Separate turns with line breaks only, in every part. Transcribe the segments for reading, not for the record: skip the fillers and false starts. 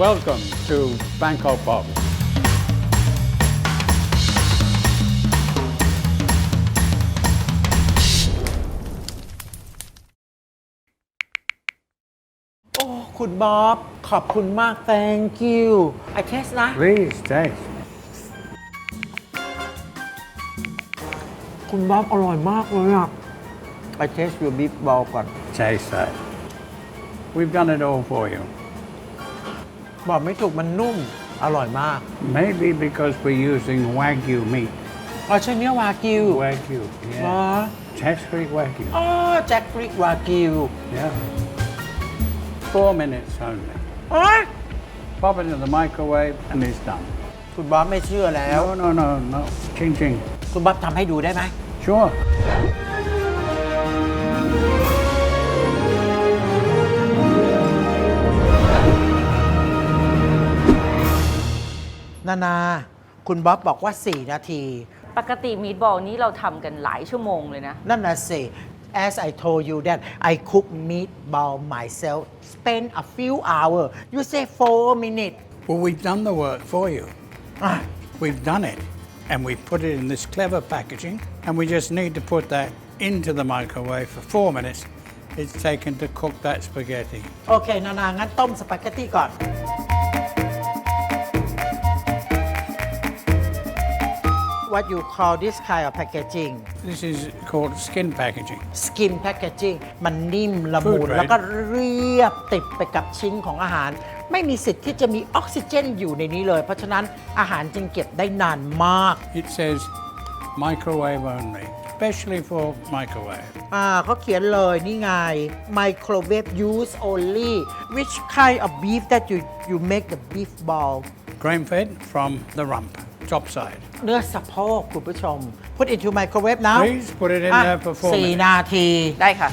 Welcome to Bangkok Bob.
โอ้คุณบ๊อบขอบคุณมาก thank you I taste นะ
Please taste.
คุณบ๊อบอร่อยมากเลยอ่ะ I taste your beef ball ก่อน
Taste that. We've done it all for you.
บอกไม่ถูกมันนุ่ม อร่อยมาก
Maybe because we're using Wagyu meat.
อ๋อใช่เนื้อวากิว
Wagyu,
อ๋อ
yeah. Taste-free Wagyu.
อ๋อแจ็คฟริกวากิว
Yeah. 4 minutes only.
อ๋อ
Pop it in the microwave and it's done.
คุณบ๊อบไม่เชื่อแล้ว
No. Ching ching.
คุณบ๊อบทำให้ดูได้ไหม
Sure.
นาคุณบ๊อบบอกว่า 4 นาที
ปกติมีดบอลนี้เราทำกันหลายชั่วโมงเลยนะ
นั่นน่ะสิ as I told you that I cook meatball myself spend a few hours you say 4 minutes
Well, we've done the work for you.
อ่ะ
We've done it. And we put it in this clever packaging. And we just need to put that into the microwave for 4 minutes. It's taken to cook that spaghetti.
โอเค นางั้นต้มสปาเกตตี้ก่อน What you call this kind of packaging
This is called skin packaging.
skin packaging มันนิ่มละมุน
Food grade
แล้วก็เรียบติดไปกับชิ้นของอาหาร ไม่มีสิทธิ์ที่จะมีออกซิเจนอยู่ในนี้เลย เพราะฉะนั้นอาหารจึงเก็บได้นานมาก
It says microwave only, especially for microwave.
เขาเขียนเลยนี่ไง microwave use only which kind of beef that you make the beef ball
Grain fed from the rump, top side.
เนื้อสะโพกคุณผู้ชม put into microwave now
Please put it in there for 4
4
minutes.
นาที
ได้ค่ะ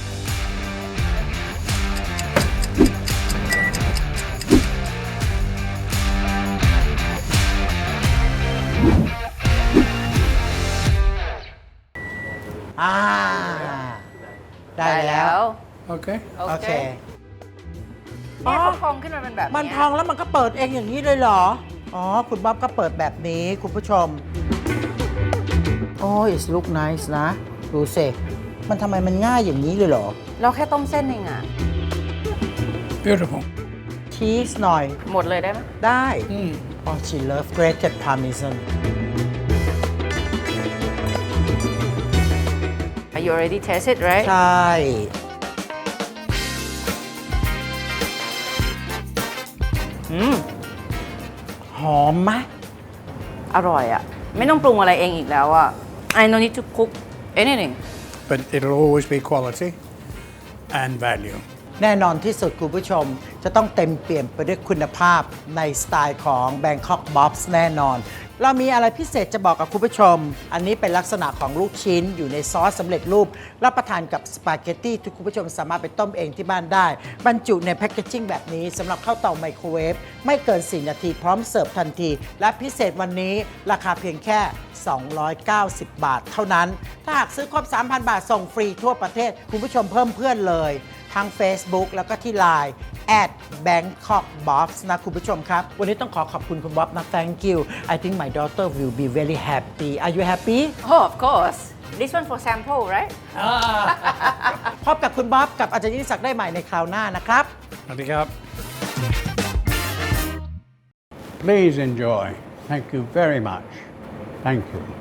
อ่า ได้แล้ว
Okay.
โอเค
แม่พองขึ้นมาเป็นแบบนี้
มันพองแล้วมันก็เปิดเองอย่างนี้เลยเหรอ อ๋อ คุณบ๊อบก็เปิดแบบนี้ คุณผู้ชม โอ้ย look nice นะ ดูสิ มันทำไมมันง่ายอย่างนี้เลยเหรอ
เราแค่ต้มเส้นเองอะ
Beautiful.
ชีสหน่อย
หมดเลยได้ไหม
ได้ อ๋อ she love grated parmesan
You already tasted right
ใช่ หอมไหม
อร่อยอะไม่ต้องปรุงอะไรเองอีกแล้วอะ I don't need to cook anything
But it'll always be quality and value.
แน่นอนที่สุดคุณผู้ชม จะต้องเต็มเปี่ยมไปด้วยคุณภาพในสไตล์ของ Bangkok Bobs แน่นอน เรามีอะไรพิเศษจะบอกกับคุณผู้ชม อันนี้เป็นลักษณะของลูกชิ้นอยู่ในซอสสำเร็จรูป รับประทานกับสปาเกตตี้ที่คุณผู้ชมสามารถไปต้มเองที่บ้านได้ บรรจุในแพคเกจจิ้งแบบนี้สำหรับเข้าเตาไมโครเวฟไม่เกิน 4 นาทีพร้อมเสิร์ฟทันที และพิเศษวันนี้ราคาเพียงแค่ 290 บาทเท่านั้น ถ้าหากซื้อครบ 3,000 บาทส่งฟรีทั่วประเทศ คุณผู้ชมเพิ่มเพื่อนเลยทั้ง Facebook แล้วก็ที่ Line @Bangkok Bobs นะคุณผู้ชมครับ วันนี้ต้องขอบคุณคุณบ๊อบนะ thank you I think my daughter will be very happy are you happy
Oh of course this one for sample right
พบกับคุณบ๊อบกับอาจารย์ยิ่งศักดิ์ได้ใหม่ในคราวหน้านะครับ
Handicap. Please enjoy. Thank you very much. Thank you.